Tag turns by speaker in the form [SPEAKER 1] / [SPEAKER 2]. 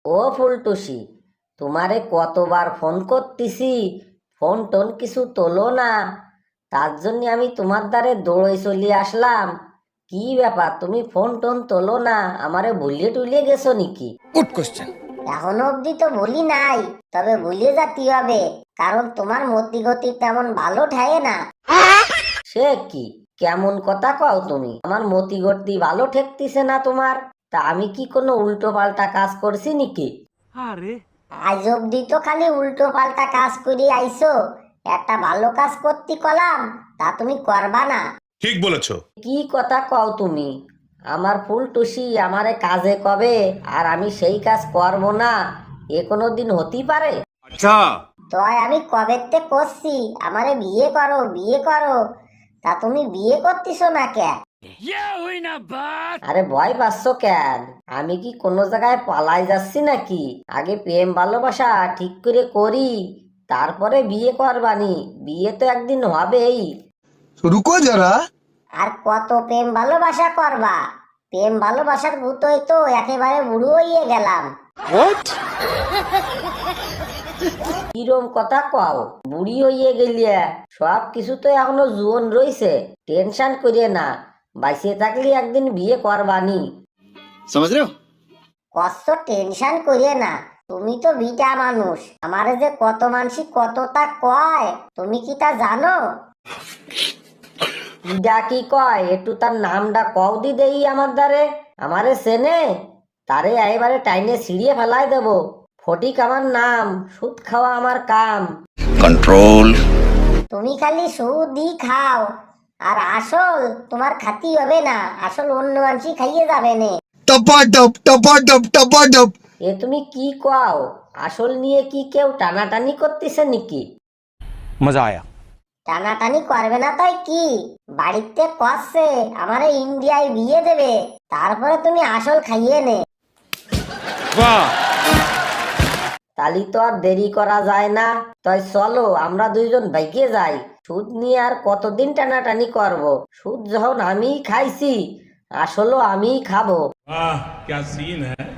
[SPEAKER 1] ও ফুলটুসি, তোমারে কতবার ফোন করতেছি, ফোন টোন কিছু তোলো না। তার জন্য আমি তোমার দ্বারে দৌড়ে চলে আসলাম। কি ব্যাপার, তুমি ফোন টোন তোলো না? আমারে ভুলিয়ে টুলিয়ে গেছো নাকি?
[SPEAKER 2] Good question.
[SPEAKER 3] এখনো অব্দি তো বলি নাই, তবে ভুলে যাতে হবে, কারণ তোমার মতি গতি তেমন ভালো ঠায় না।
[SPEAKER 1] সে কি, কেমন কথা কও তুমি? আমার মতি গতি ভালো ঠেকতিছে না তোমার? তা আমি কি কোনো উল্টো পাল্টা কাজ করছি নাকি?
[SPEAKER 3] আজ অব্দি তো খালি উল্টো পাল্টা কাজ করে আইছো, একটা ভালো কাজ করতে কলাম তা তুমি করবা না।
[SPEAKER 4] ঠিক বলেছো।
[SPEAKER 1] কি কথা কও তুমি? আমার ফুলটুসি আমারে কাজে কবে আর আমি সেই কাজ করব না, এ কোনো দিন হতেই পারে?
[SPEAKER 3] তয় আমি কবেতে করছি আমারে বিয়ে করো বিয়ে করো, তা তুমি বিয়ে করতেছো না কে?
[SPEAKER 1] আরে ভয় পাচ্ছ কেন? আমি কি কোনো জায়গায় পালাই যাচ্ছি নাকি? আগে প্রেম ভালোবাসা ঠিক করে করি, তারপরে বিয়ে করবানি। বিয়ে তো একদিন হবেই।
[SPEAKER 2] রুকো যারা।
[SPEAKER 3] আর কত প্রেম ভালোবাসা করবা? প্রেম ভালোবাসার ভূতই তো একেবারে বুড়ো হইয়ে গেলাম।
[SPEAKER 1] কিরম কথা কও? বুড়ি হইয়ে গেলিয়া? সব কিছু তো এখনো জুয়ন রইছে, টেনশন করিয়ে না। বাইসে থাকলে একদিন বিয়ে করবানি।
[SPEAKER 2] समझ रहे हो?
[SPEAKER 3] কষ্ট টেনশন করিয়ে না, তুমি তো বিটা মানুষ, আমারে যে কত মানসি কতটা কয় তুমি কি তা জানো?
[SPEAKER 1] ইডা কি কয়, একটু তার নামটা কও দি দেই আমার দ্বারে। আমারে চেনে? তারে এবারে টাইনে ছিঁড়িয়ে ফেলাই দেব। ফটিক আমার নাম, সুদ খাওয়া আমার কাম।
[SPEAKER 2] कंट्रोल।
[SPEAKER 3] তুমি খালি সুদই খাও, আর আসল তোমার খাতি হবে না, আসল অন্য মানসি খাইয়ে যাবে নে।
[SPEAKER 2] टपाटप टपाटप टपाटप।
[SPEAKER 1] এ তুমি কি কও? আসল নিয়ে কি কেউ টানাটানি করতেছে নাকি?
[SPEAKER 2] मजा आया।
[SPEAKER 3] টানাটানি করবে না তাই কি? বাড়িতে কষছে আমারে ইন্ডিয়ায় বিয়ে দেবে, তারপরে তুমি আসল খাইয়ে নে।
[SPEAKER 1] তালি তো আর দেরি করা যায় না। তাই চলো আমরা দুইজন বাইকে যাই। সুদ নিয়ে আর কতদিন টানাটানি করব? সুদ যখন আমিই খাইছি, আসলও আমিই খাবো।
[SPEAKER 4] वाह क्या सीन है।